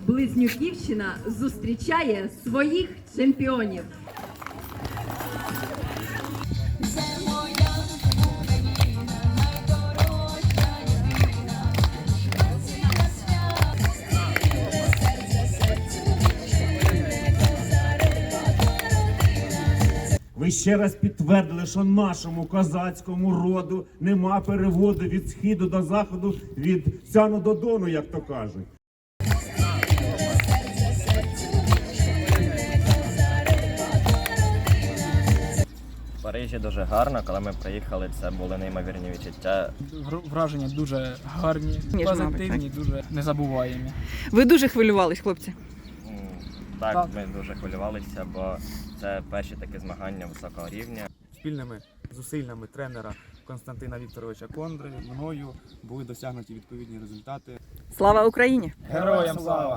Близнюківщина зустрічає своїх чемпіонів. Ви ще раз підтвердили, що нашому козацькому роду нема переводу від східу до заходу, від сяну до дону, як то кажуть. В Парижі дуже гарно, коли ми приїхали, це були неймовірні відчуття. Враження дуже гарні, позитивні, дуже незабуваємі. Ви дуже хвилювались, хлопці? Так, ми дуже хвилювалися, бо це перші такі змагання високого рівня. Спільними зусиллями тренера Константина Вікторовича Кондри, мною були досягнуті відповідні результати. Слава Україні! Героям слава!